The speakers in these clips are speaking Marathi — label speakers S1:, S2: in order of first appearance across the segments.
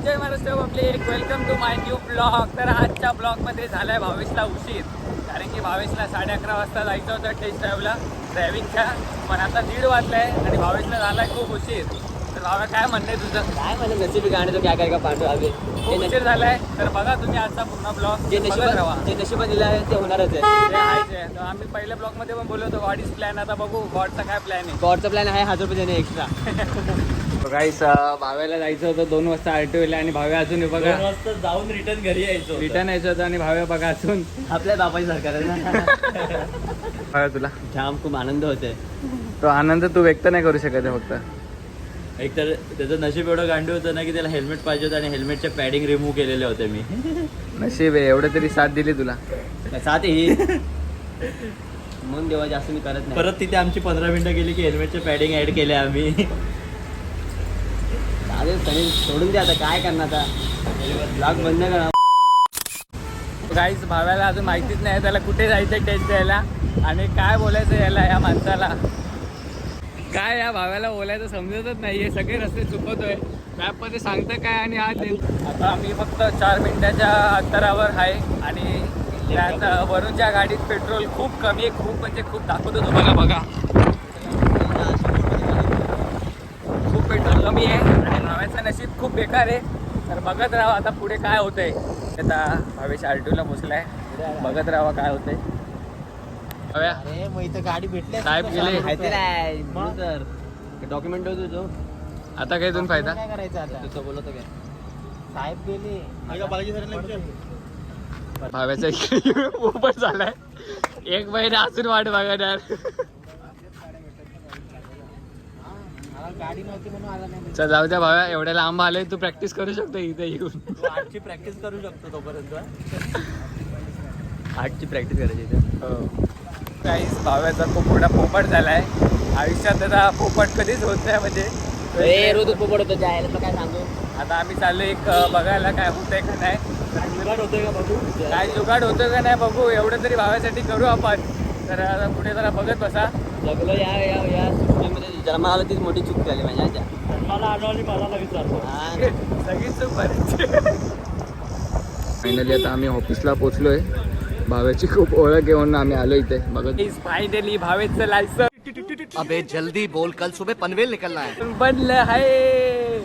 S1: Jai Maharashtra public, welcome to my new blog. तर आजच्या ब्लॉगमध्ये झाला आहे भावेशला उशीर, कारण की भावेशला 11:30 वाजता जायचं होतं टेस्ट ड्रायव्हिंगच्या, पण आता 1:30 वाजला आहे आणि भावेशला झाला आहे खूप उशीर. तर भावा काय म्हणणं आहे तुझं?
S2: काय म्हणजे नशिबी गाणे तो क्या काय का पांडू हवे
S1: खूप उशीर झाला आहे. तर बघा तुम्ही आजचा पूर्ण ब्लॉग
S2: जे
S1: बघत राहा.
S2: नशिबा दिलं आहे ते होणारच आहे.
S1: ते आहेच आहे. तर आम्ही पहिल्या ब्लॉगमध्ये पण बोललो होतो गॉड इज प्लॅन. आता बघू गॉडचा काय प्लॅन आहे.
S2: गॉडचा प्लॅन आहे 1000 रुपये देणे एक्स्ट्रा.
S1: गाईस भाव्याला जायचं होतं 2 वाजता RTOला आणि भाव्या अजून बघा
S3: 2 वाजता जाऊन रिटर्न घरी यायचो.
S1: रिटर्न यायचं होतं आणि भाव्या बघा अजून.
S2: आपल्या बापाची सरकार आहे ना.
S1: भाव्या तुला
S2: जाम खूप आनंद होते.
S1: तो आनंद तू व्यक्त नाही करू शकत आहे फक्त.
S3: एक तर त्याचं नशीब एवढं गांडू होतं ना की त्याला हेल्मेट पाहिजे होतं आणि हेल्मेटचे पॅडिंग रिमूव्ह केलेले होते मी.
S1: नशीब आहे एवढं तरी साथ दिली तुला.
S2: साथ ही म्हणून देवा जास्त मी करत नाही.
S3: परत तिथे आमची 15 मिनिटं गेली की हेल्मेटचे पॅडिंग ऍड केले आम्ही.
S2: चालेल चालेल सोडून द्या आता काय करणार आता. ब्लॉग बंद करा.
S1: गाईस भाव्याला अजून माहितीच नाही त्याला कुठे जायचं टेस्ट द्यायला आणि काय बोलायचं याला या माणसाला. काय या भाव्याला बोलायचं समजतच नाही आहे. सगळे रस्ते चुकवतोय, मॅपमध्ये सांगतं काय आणि आज आता आम्ही फक्त 4 मिनिटाच्या अंतरावर आहे आणि त्यात वरूनच्या गाडीत पेट्रोल खूप कमी आहे. खूप म्हणजे खूप दाखवतो तुम्हाला बघा. खूप पेट्रोल कमी आहे आणि भाव्याचं नशीब खूप बेकार आहे. तर बघत राहा आता पुढे काय होतंय. आता भावेश RTOला पोचलाय, बघत राहा काय होतंय. भाव्या
S3: अरे मग इथं गाडी भेटली
S1: साहेब गेले.
S2: माहिती नाही तर डॉक्युमेंट होतो जो
S1: आता काय इथून फायदा.
S3: काय करायचं आता?
S2: तुझं बोलतो काय
S3: साहेब गेले.
S1: भाव्याचा ओपन झालाय. एक महिना अजून वाट बघणार.
S3: गाडी नव्हती म्हणून आला नाही.
S1: चल जाऊ द्या भाव्या, एवढ्या लांब आले तू प्रॅक्टिस करू शकतो इथे येऊन.
S3: तू आजची प्रॅक्टिस करू शकतो तोपर्यंत.
S2: आर्टची प्रॅक्टिस करायची इथं.
S1: काहीच भाव्याचा खूप मोठा पोपट झालाय. आयुष्यात त्याचा पोपट कधीच होत नाही म्हणजे
S2: रोज पोपट होतो जायला तर काय सांगू.
S1: आता आम्ही चाललो एक बघायला काय होतंय का नाही,
S3: जुगाड होतोय का बघू.
S1: काय जुगाड होतं का नाही बघू. एवढं तरी भाव्यासाठी करू आपण. तर आता पुढे जरा बघत बसा.
S2: जगलो या सुट्टीमध्ये जन्माला आलं तीच मोठी चूक झाली माझ्या.
S3: मला आढळली मला विचारतो.
S1: सगळीच चूक भरायची. फायनली आता आम्ही ऑफिसला पोहोचलोय. भाव्याची खूप ओळख घेऊन आम्ही आलो इथे बघत. फायनली भावेचं लायसन
S4: अबे जल्दी बोल, कल सुबह पनवेल निकलना है.
S1: बनलं आहे.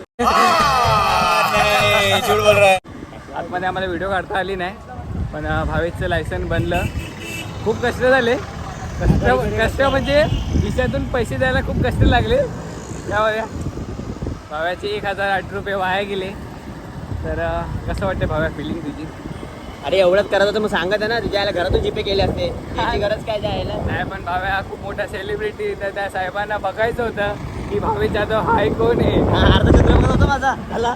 S3: झूठ बोल रहा है.
S1: आतमध्ये आम्हाला व्हिडिओ काढता आली नाही, पण भावेशचं लायसन बनलं. खूप कष्ट झाले. कष्ट म्हणजे खिशातून पैसे द्यायला खूप कष्ट लागले. त्यामुळे भाव्याचे 1008 रुपये वाया गेले. तर कसं वाटतं भाव्या फिलिंग तुझी?
S2: अरे एवढंच करत होतं मग सांगत आहे ना तुझ्या याला घरातून जीपे केले असते. त्याची गरज काय जायला.
S1: नाही पण भाव्या खूप मोठा सेलिब्रिटी, तर त्या साहेबांना बघायचं होतं की भावेश जाधव हाय कोण आहे.
S2: अर्धा छत्रपती होतो माझा हल्ला.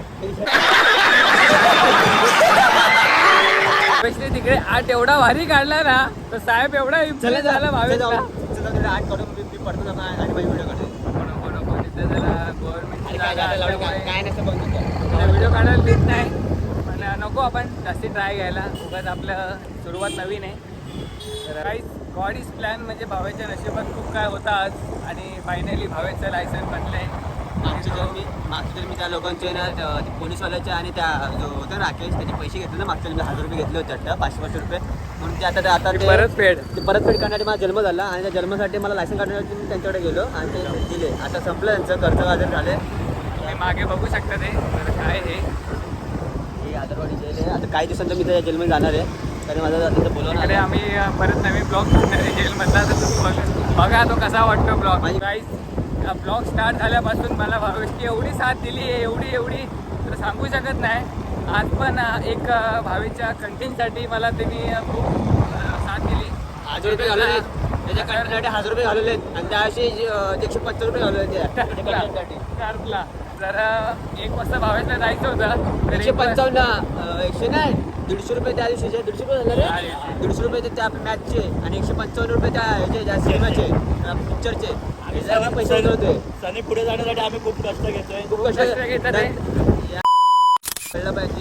S1: भावेशने तिकडे आठ एवढा भारी काढला ना, तर साहेब एवढा इम्प्रेस झाला भावेशला.
S2: आठ काढून मी पडतो ना आणि माझी व्हिडिओ काढतो. काय नसतं बघ
S1: व्हिडिओ काढायला देत नाही, पण नको आपण जास्ती ट्राय घ्यायला. उगाच आपलं सुरुवात नवीन आहे. तर काहीच गॉड इज प्लॅन म्हणजे भावेच्या नशिबात खूप काय होता आज आणि फायनली भावेचं लायसन बनलंय.
S2: मागच्या मी त्या लोकांचे ना पोलीसवाल्याचे आणि त्या जो होता राकेश त्याचे पैसे घेतले ना मागच्या मी 1000 रुपये घेतले होते वाटतं 500 रुपये म्हणून ते आता ते
S1: परतफेड
S2: करण्यासाठी माझा जन्म झाला आणि त्या जन्मासाठी मला लायसन काढण्यासाठी मी त्यांच्याकडे गेलो आणि ते दिले. आता संपलं त्यांचं कर्ज वाजर झाले.
S1: तुम्ही मागे बघू शकता ते. तर काय हे
S2: आदरवाडी जेल आहे. आता काही दिवसांत मी त्या जेलमध्ये जाणार आहे कारण माझं तिथं बोलवणार
S1: तिकडे आम्ही परत नवीन ब्लॉग करणार आहे जेलमधला. तर तुम्ही बघा तो कसा वाटतो ब्लॉग. गाईस ब्लॉग स्टार्ट झाल्यापासून मला भावेशची एवढी साथ दिली आहे, एवढी तर सांगू शकत नाही. आज पण एक भावेच्या कंटेंटसाठी मला त्यांनी खूप साथ दिली.
S2: 1000 रुपये घालवले त्याच्या कंटेंटसाठी 1000 रुपये घालवले आणि त्याशी 150 रुपये घालवले
S1: कार्पला. जर 1 वाजता भावेशला जायचं होतं तर
S2: 155 100 नाही 150 रुपये त्या दिवशीचे 150 रुपये झाले रे. 150 रुपये त्या मॅचचे आणि 155 रुपये त्या ह्याचे ज्या सिनेमाचे पिक्चरचे पैसे होते.
S3: सनी पुढे जाण्यासाठी आम्ही खूप कष्ट घेतोय.
S2: खूप कष्ट
S1: घेतात.
S2: कळलं पाहिजे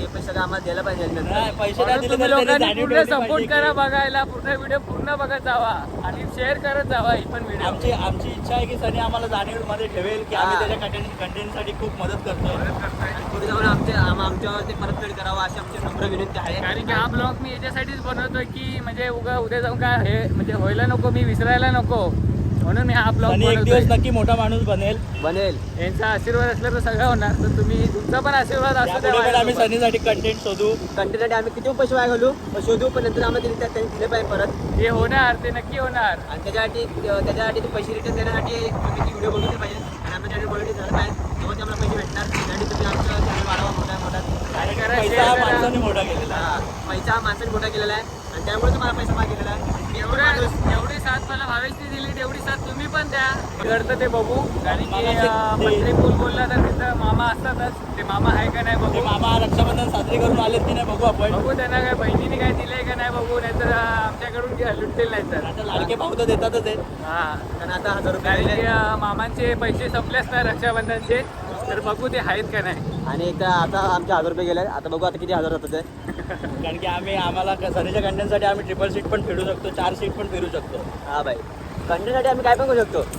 S2: पैसे सगळं आम्हाला द्यायला पाहिजे नंतर.
S3: नाही, पैसे नाही दिले
S1: तुम्ही
S3: तर त्यांनी
S1: लोकांनी
S3: जाणीव
S1: पूर्ण
S3: ठेवली
S1: सपोर्ट
S3: पाहिजे
S1: करा
S3: की-
S1: बघायला, पूर्ण व्हिडिओ पूर्ण बघत जावा आणि शेअर करत जावा ही पण व्हिडिओ.
S3: आमची इच्छा आहे की सनी आम्हाला जाणीव मध्ये ठेवेल की आम्ही
S2: हा.
S3: त्याच्या कंटेंटसाठी खूप मदत करतो.
S2: आणि पुढे जाऊन आमच्यावर ते परतफेड करावं अशी आमची नम्र विनंती आहे.
S1: कारण की हा ब्लॉग मी याच्यासाठीच बनवतोय की म्हणजे उद्या जाऊन काय हे म्हणजे व्हायला नको, मी विसरायला नको, म्हणून मी हा ब्लॉग
S3: सनी एक दिवस नक्की मोठा माणूस बनेल.
S2: बनेल.
S1: यांचा आशीर्वाद असला तर सगळं होणार. तर तुम्ही तुमचा पण आशीर्वाद असू
S3: यापुढे पण आम्ही
S1: द्या.
S3: सनीसाठी कंटेंट शोधू.
S2: कंटेंटसाठी आम्ही किती पैसे वाया घालू पण शोधू, पण नंतर आम्हाला त्यांनी दिले पाहिजे परत.
S1: हे होणार, ते नक्की होणार.
S2: आणि त्याच्यासाठी ते पैसे रिटर्न देण्यासाठी तुम्ही ती व्हिडिओ बघितली पाहिजे आणि आमच्या चॅनल क्वालिटी झालं पाहिजे, तेव्हा ते आम्हाला पैसे भेटणार. त्यासाठी तुम्ही आमचं चॅनल वाढवा मोठा.
S1: करा,
S3: पैसा
S1: share
S3: हा
S1: करा.
S3: माणसाने मोठा केलेला आहे.
S2: हा, पैसा हा माणसाने मोठा केलेला आहे आणि त्यामुळे तुम्हाला पैसा मागितलेला आहे.
S1: एवढी साथ मला भावेशने दिली, तेवढी साथ तुम्ही पण द्या. घडतं ते बघू. कारण की
S3: मामाचे-
S1: मंत्री पूल बोलला तर तिथं मामा असतातच. ते मामा आहे का नाही
S3: ते
S1: बघू.
S3: मामा रक्षाबंधन साजरी करून आलेत की नाही बघू आपण.
S1: बघू त्यांना काय बहिणीने काय दिलंय का नाही बघू, नाहीतर आमच्याकडून लुटतील नाही तर.
S3: आता लाडके भाऊ तर देतातच आहेत.
S1: हा,
S2: कारण आता 1000 रुपये
S1: कारण
S2: दिले
S1: की मामांचे पैसे संपलेच नाही रक्षाबंधनचे, तर बघू ते आहेत का नाही.
S2: आणि एकदा आता आमचे 1000 रुपये गेले. आता बघू आता किती हजार जातात ते.
S3: कारण की आम्हाला सनीच्या कंटेंटसाठी आम्ही ट्रिपल सीट पण फिरू शकतो, 4 सीट पण फिरू शकतो.
S2: हा भाई, कंटेंटसाठी आम्ही काय पण करू शकतो.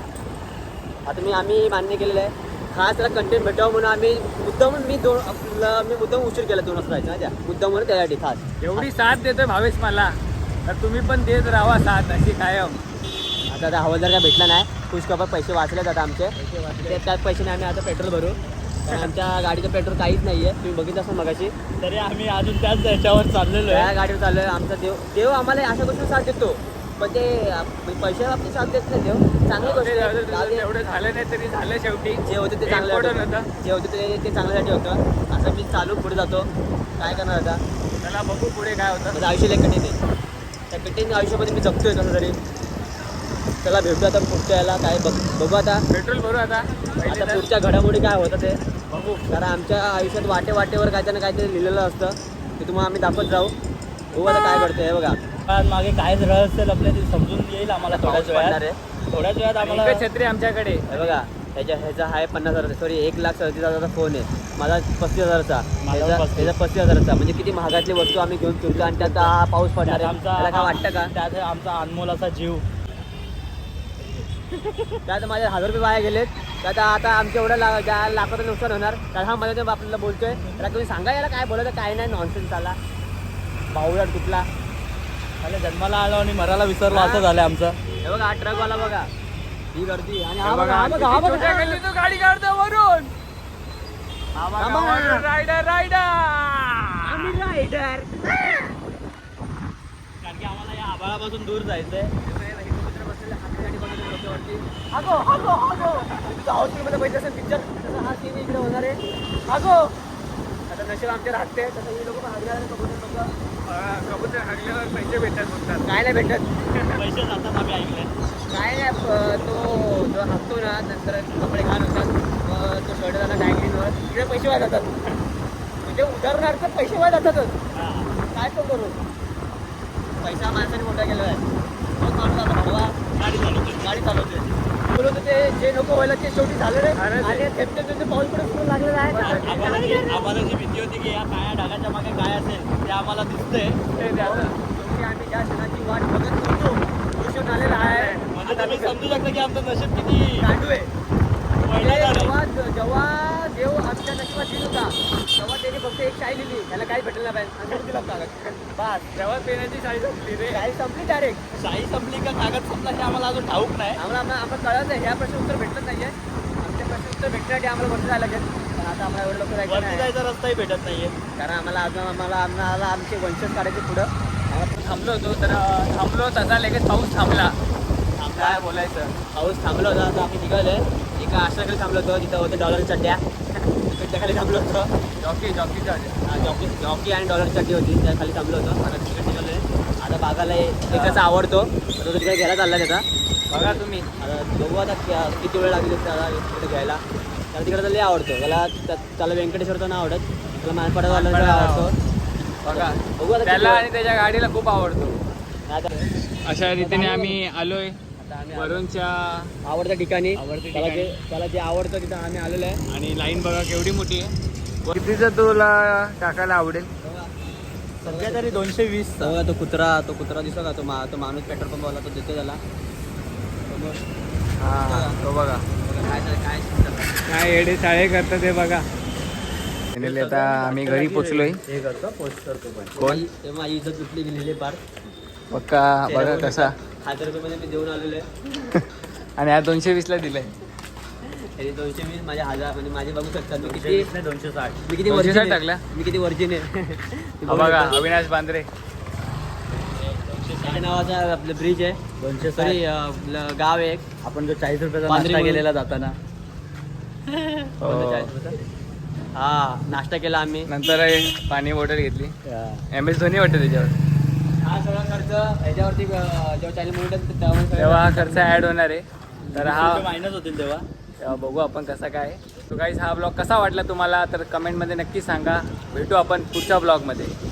S2: आता आम्ही मान्य केलेलं आहे. खास त्याला कंटेंट भेटावं म्हणून आम्ही मुद्दाम मुद्दाम उशीर केला 2 वाजता जायचं ना, मुद्दाम म्हणून त्यासाठी खास.
S1: एवढी साथ देतोय भावेश मला, तर तुम्ही पण देत राहा साथ अशी कायम.
S2: आता हवालदार काय भेटला नाही, खुशखबर पैसे वाचलेत आता आमचे. त्यात पैशाने आम्ही आता पेट्रोल भरू. कारण आमच्या गाडीचं पेट्रोल काहीच नाही आहे, तुम्ही बघितलं असं मगाशी.
S3: तरी आम्ही अजून त्याच याच्यावर चाललेलो
S2: त्या
S3: आहे.
S2: गाडीवर चाललोय. आमचा देव आम्हाला अशा गोष्टी साथ देतो, पण ते पैशा बाबतीत साथ देत नाही देव. चांगली गोष्ट आहे. जाऊ दे.
S1: एवढं झालं नाही तरी झालं शेवटी.
S2: जे होते ते चांगलं
S1: Important
S2: होतं.
S1: होतं.
S2: जे होते ते चांगल्यासाठी होतं. असं मी चालू पुढे जातो. काय करणार आता,
S1: त्याला बघू पुढे काय होतं.
S2: माझं आयुष्य लय कठीण आहे. त्या कठीण आयुष्यामध्ये मी जगतोय कसं तरी. त्याला भेटू आता पुढच्या याला काय बघू आता.
S1: पेट्रोल भरू आता पहिले
S2: आता
S1: तर.
S2: पुढच्या घडामोडी काय होतं ते बघू. कारण आमच्या आयुष्यात वाटेवर काहीतरी ना काहीतरी लिहिलेलं असतं, ते तुम्हाला आम्ही दाखवत जाऊ. बघू आता काय घडतंय हे बघा.
S3: पण मागे काय रहस्य लपले ते समजून येईल आम्हाला
S2: पाऊस
S3: थोड्याच
S2: पडणार
S3: वेळात.
S2: आहे.
S3: थोड्याच वेळात आम्हाला
S1: एकच छत्री आमच्याकडे.
S2: हे बघा, ह्याचा आहे 50,000, सॉरी 1,37,000चा फोन आहे. माझा 35,000चा,
S3: माझा
S2: ह्याचा
S3: 35,000.
S2: 35,000चा. म्हणजे किती महागातली वस्तू आम्ही घेऊन फिरतो आणि त्यात हा पाऊस पडणार आहे. त्याला काय वाटतं का?
S3: त्यात आमचा अनमोल असा जीव.
S2: त्यात माझे 1000 रुपये वाया गेलेत. त्यात आता आमच्या एवढं लाखाचं नुकसान होणार. तर हा मध्ये आपल्याला बोलतोय, त्याला तुम्ही सांगा याला काय बोलायचं काय नाही. नॉनसेन्स आला बावळट कुठला.
S3: आणि जन्माला आलो आणि मराला विसरलो असं झालं आमचं.
S2: हे बघा, हा ट्रकवाला बघा, ही गर्दी. आणि हा
S1: हे
S2: बघा,
S1: बघा,
S2: हा बघा, हा
S1: किती छोट्या
S2: बघा.
S1: गल्लीतून गाडी काढतो वरून. Rider
S2: rider.
S3: कारण की आम्हाला या आभाळापासून दूर जायचंय.
S2: हॉस्पिटलमध्ये पैसे असेल पिक्चर तसं हा सीन इकडे होणार आहे. आता नशीब आमच्या राहते तसं ही लोक
S1: कबूतर हागल्यावर पैसे भेटतात म्हणतात.
S2: काय नाही भेटत.
S3: पैसे जातात आम्ही ऐकलंय.
S2: काय नाही. तो जो हसतो ना, नंतर कपडे घाण होतात, मग तो शर्ट झाला डायग्रीनवर, तिकडे पैसे वाया जातात. म्हणजे उदाहरणार्थ पैसे वाया जातातच. काय तो करू. पैसा माणसाने मोठा केलेला आहे. मग माणूस आता भडवा गाडी चालवते. बोलत होते जे नको व्हायला ते शेवटी झालं रे.
S1: अरे ते-
S2: आणि थेट पाऊल पुढे सुरू लागलेलं आहे.
S3: आम्हाला जी भीती होती की या काळ्या ढगाच्या मागे काय असेल ते आम्हाला दिसतंय.
S1: ते द्यावं.
S2: शेवटी आम्ही ज्या क्षणाची वाट बघत होतो कृष्ण आलेला आहे.
S3: म्हणजे तुम्ही समजू शकता की आमचं नशीब किती
S2: गांडू आहे.
S3: पहिला झालंय.
S2: जेव्हा देव आमच्या नशिबात दिल होता, तेव्हा त्याने फक्त एक शाई लिहिली, त्याला काही भेटलं नाही पाहिजे आणि दिला कागद.
S1: बस तेव्हा पेनाची साईज असते रे.
S2: शाई संपली डायरेक्ट.
S3: शाही संपली का कागद संपला हे आम्हाला अजून ठाऊक नाही.
S2: आम्हाला कळत नाही. ह्या प्रश्न उत्तर भेटलं नाहीये. आमच्या प्रश्न उत्तर भेटण्यासाठी आम्हाला वरती जायला लागेल. पण आता आम्हाला एवढं लवकर जायचं
S3: वरती
S2: नाही,
S3: जायचा रस्ताही भेटत नाहीये.
S2: कारण आम्हाला आमचे वंशज काढायचे पुढं.
S1: थांबलो होतो तर थांबलो तसा लगेच पाऊस थांबला. काय बोलायचं.
S2: पाऊस थांबला होता. आता आम्ही निघालोय. एका आश्रमाखाली थांबलो होतो, तिथं होते डॉलर चड्ड्या. त्याच्याखाली थांबलो होतो. जॉकी आणि डॉलर चड्डी होती, त्या खाली थांबलो होतो. आता तिकडे निघालोय. आता बागाला एकाचा आवडतो, तो तिकडे घ्यायला चालला त्याचा.
S1: बघा तुम्ही.
S2: आता बघू आता किती वेळ लागेल त्याला तिकडे घ्यायला. त्याला तिकडे तर लय आवडतो. त्याला व्यंकटेश्वरचं नाव आवडत, त्याला मानपाडावाला आवडतो.
S1: बघा
S2: बघू आता
S1: त्याला
S2: किती
S1: आणि त्याच्या गाडीला खूप आवडतो.
S2: वेळ. आता
S1: अशा रीतीने आम्ही आलोय
S2: आम्ही
S1: वरूनच्या.
S2: आवडत्या ठिकाणी.
S1: आवडत्या
S2: त्याला
S1: ठिकाणी.
S2: त्याला जे आवडतं तिथं आम्ही आलेलो आहे.
S1: आणि लाईन बघा केवढी मोठी आहे. कितीचं तुला टाकायला आवडेल?
S3: सध्या तरी 220.
S2: तो कुत्रा दिसतो का तो माणूस पेट्रोल पंप वाला तो देतो त्याला
S1: हा तो बघा
S2: काय
S1: काय येडे चाळे करतात ते बघा. फायनली आता आम्ही घरी पोचलोय.
S3: हे करतो पोस्ट करतो पण
S1: कोण
S2: ते माझी इज्जत लुटली गेलेली पार.
S1: पक्का बघा कसा.
S2: 1000 रुपये मध्ये मी देऊन आलेलो आहे.
S1: आणि हा 220 ला दिलाय.
S2: तरी 220 माझे 1000 म्हणजे माझे बघू शकतात मी किती
S3: 260.
S2: मी किती
S1: 260
S2: वर्जिन
S1: टाकला?
S2: मी किती वर्जिन आहे.
S1: हा बघा अविनाश बांद्रे.
S2: काय नावाचा आपलं ब्रिज आहे
S3: 260.
S2: सॉरी आपलं गाव आहे एक.
S3: आपण जो 40 रुपयाचा
S2: बांद्रे
S3: नाश्ता
S2: म्हणून.
S3: केलेला जाताना
S1: हो.
S2: हा नाश्ता केला आम्ही.
S1: नंतर पाणी बॉटल घेतली. MS धोनी वाटतं त्याच्यावर.
S2: हा सगळा खर्च ह्याच्यावरती जेव्हा चॅनल म्हणतात
S1: तेव्हा हा खर्च ऍड होणार आहे. तर हा
S3: मायनस होतील तेव्हा.
S1: तेव्हा बघू आपण कसा काय. तो गाईज हा ब्लॉग कसा वाटला तुम्हाला तर कमेंटमध्ये नक्की सांगा. भेटू आपण पुढच्या ब्लॉगमध्ये.